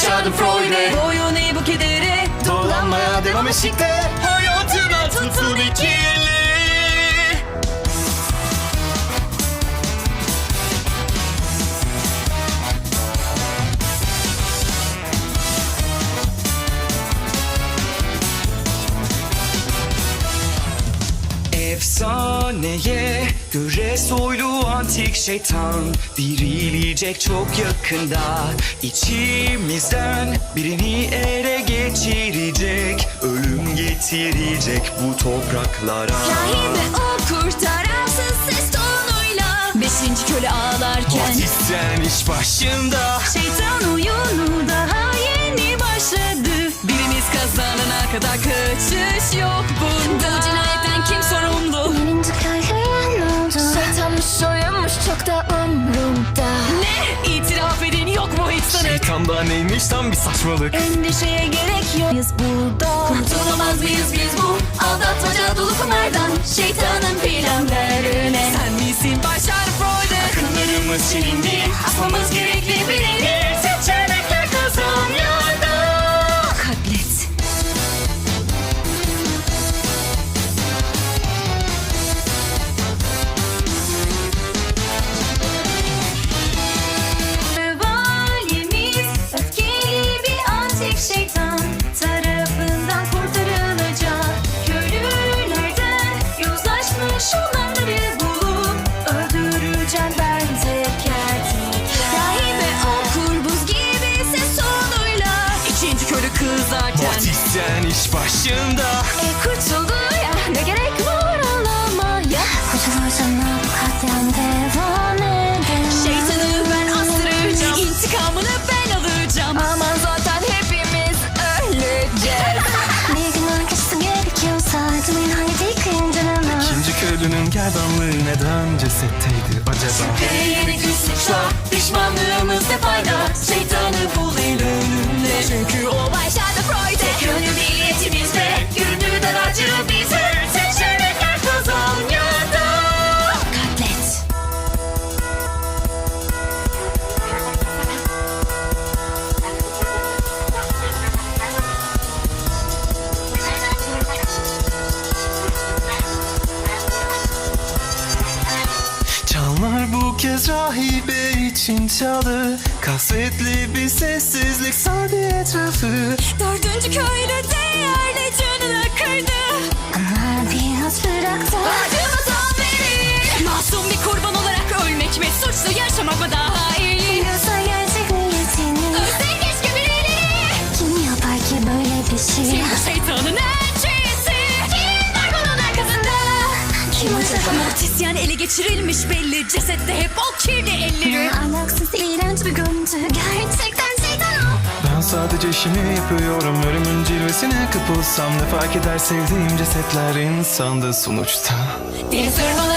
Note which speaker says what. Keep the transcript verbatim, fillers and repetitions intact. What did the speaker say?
Speaker 1: başardım Freud'e.
Speaker 2: Boyun eğ bu kedere,
Speaker 1: Dolanmaya devam eşikte. Hayatına tutun ikili.
Speaker 3: Efsaneye göre soylu antik şeytan dirilecek çok yakında. İçimizden birini ele geçirecek, ölüm getirecek bu topraklara.
Speaker 2: Rahime o kurtaransız ses tonuyla beşinci köle ağlarken
Speaker 3: Batisyen iş başında.
Speaker 2: şeytan oyunu daha yeni başladı. Birimiz kazanana kadar kaçış yok bunda. Bu cinayetten kim sorumlu?
Speaker 4: Birinci kahraman oldu. Şeytanmış soyunmuş çok da umrumda.
Speaker 2: Ne? İtiraf edin, yok mu hiç sanık?
Speaker 3: Şeytanda neymiş tam bir saçmalık.
Speaker 2: Endişeye gerek yok. Biz burada kurtulamaz mıyız biz bu aldatmaca dolu kumardan, şeytanın planlarına? Sen misin başar Freud'e?
Speaker 1: Akıllarımız çelindi. Asmamız gerekli birini. Seçenekler kazanıyordu.
Speaker 2: Katlet. Valimiz öfkeli bir antik şeytan tarafından kurtarılacak. Köylülerden yozlaşmış olanları bulup öldüreceğim ben teker teker. Rahibe okur buz gibi ses tonuyla ikinci köylü kızarken
Speaker 3: Batisyen iş başında.
Speaker 2: e kurtuldu ya, ne gerek var ağlamaya?
Speaker 4: Kurtulursan bu katliam devam eder.
Speaker 2: Şeytanı ben astıracağım, intikamını ben alacağım. Aman zaten hepimiz öleceğiz.
Speaker 4: Bir gün arkası gerekiyorsa tümün haydi kıyımcılığına.
Speaker 3: İkinci köylünün gerdanlığı neden cesetteydi acaba?
Speaker 2: Ve yeni bir suçla pişmanlığımızda fayda. Şeytanı bul el önünde, çünkü o başladı Freud'e. Tek yönlü niyetimizde yürüdü daracı bize. Seçenekler kazanıyordu. Katlet.
Speaker 3: Çanlar bu kez rahibe için çaldı. Kasvetli bir sessizlik sardı etrafı.
Speaker 2: Dördüncü köylü değerli canını kırdı.
Speaker 4: Ama biraz bıraktı.
Speaker 2: Acımızdan beri masum bir kurban olarak ölmek mi, suçlu yaşamak mı daha iyi?
Speaker 4: Biliyorsa gerçek niyetini.
Speaker 2: Ölsen keşke birileri.
Speaker 4: Kim yapar ki böyle bir şey?
Speaker 2: Kim bu şeytanın elçisi? Kim var bunun arkasında?
Speaker 4: Kim acaba?
Speaker 2: Mortisyen ele geçirilmiş belli. Cesette hep o kirli elleri.
Speaker 4: Alaksız iğrenç bir görüntü. Gerçekten şeytan o.
Speaker 3: Ben sadece işimi yapıyorum. Ölümün cilvesine kapılsam ne fark eder, sevdiğim cesetler insanda sonuçta.
Speaker 2: Deniz ırmaları